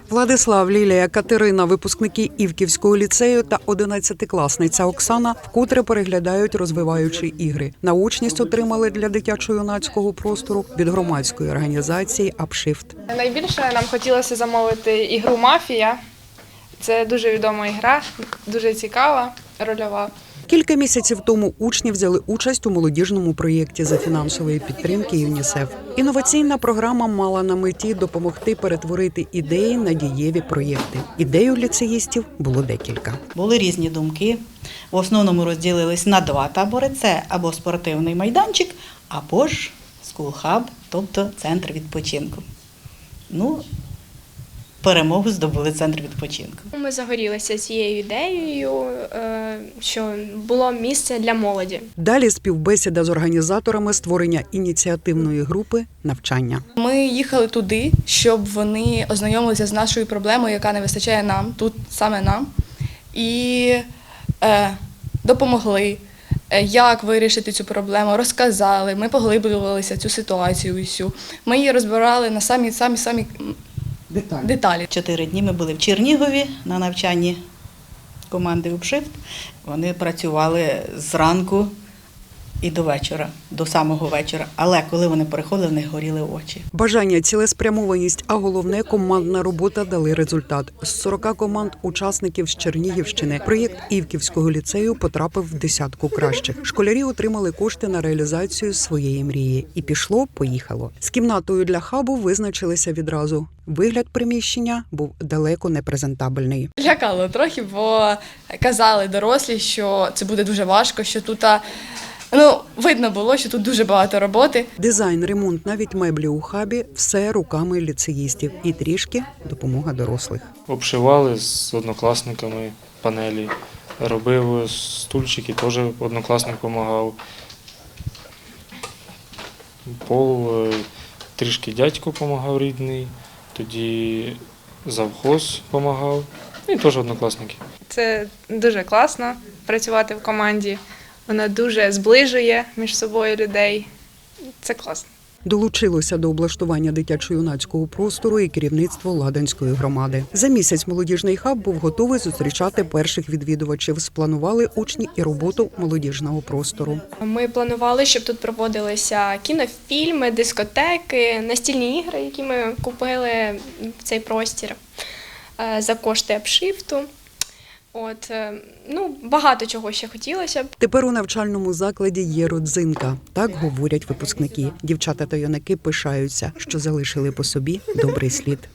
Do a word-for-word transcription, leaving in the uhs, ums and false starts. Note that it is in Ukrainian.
Владислав, Лілія, Катерина, випускники Івківського ліцею та одинадцятикласниця Оксана вкотре переглядають розвиваючі ігри. Научність отримали для дитячо-юнацького простору від громадської організації «Апшифт». Найбільше нам хотілося замовити ігру «Мафія». Це дуже відома ігра, дуже цікава, рольова. Кілька місяців тому учні взяли участь у молодіжному проєкті за фінансової підтримки ЮНІСЕФ. Інноваційна програма мала на меті допомогти перетворити ідеї на дієві проєкти. Ідей у ліцеїстів було декілька. Були різні думки. В основному розділились на два табори. Це або спортивний майданчик, або ж скул-хаб, тобто центр відпочинку. Ну, перемогу здобули центр відпочинку. Ми загорілися цією ідеєю, що було місце для молоді. Далі співбесіда з організаторами створення ініціативної групи «Навчання». Ми їхали туди, щоб вони ознайомилися з нашою проблемою, яка не вистачає нам, тут саме нам, і е, допомогли, як вирішити цю проблему, розказали, ми поглиблювалися в цю ситуацію всю. Ми її розбирали на самі-самі-самі деталі. деталі. Чотири дні ми були в Чернігові на навчанні команди «Апшифт». Вони працювали зранку і до вечора, до самого вечора. Але коли вони переходили, в них горіли очі. Бажання, цілеспрямованість, а головне – командна робота дали результат. З сорока команд учасників з Чернігівщини проєкт Івківського ліцею потрапив в десятку кращих. Школярі отримали кошти на реалізацію своєї мрії. І пішло-поїхало. З кімнатою для хабу визначилися відразу. Вигляд приміщення був далеко не презентабельний. Лякало трохи, бо казали дорослі, що це буде дуже важко, що тут, ну, видно було, що тут дуже багато роботи. Дизайн, ремонт, навіть меблі у хабі – все руками ліцеїстів. І трішки допомога дорослих. Обшивали з однокласниками панелі, робив стульчики, теж однокласник допомагав. Пол трішки дядько допомагав рідний, тоді завхоз допомагав, і теж однокласники. Це дуже класно працювати в команді. Вона дуже зближує між собою людей. Це класно. Долучилося до облаштування дитячо-юнацького простору і керівництво Ладанської громади. За місяць молодіжний хаб був готовий зустрічати перших відвідувачів. Спланували учні і роботу молодіжного простору. Ми планували, щоб тут проводилися кінофільми, дискотеки, настільні ігри, які ми купили в цей простір за кошти Апшифту. От, ну, багато чого ще хотілося б. Тепер у навчальному закладі є родзинка. Так говорять випускники. Дівчата та юнаки пишаються, що залишили по собі добрий слід.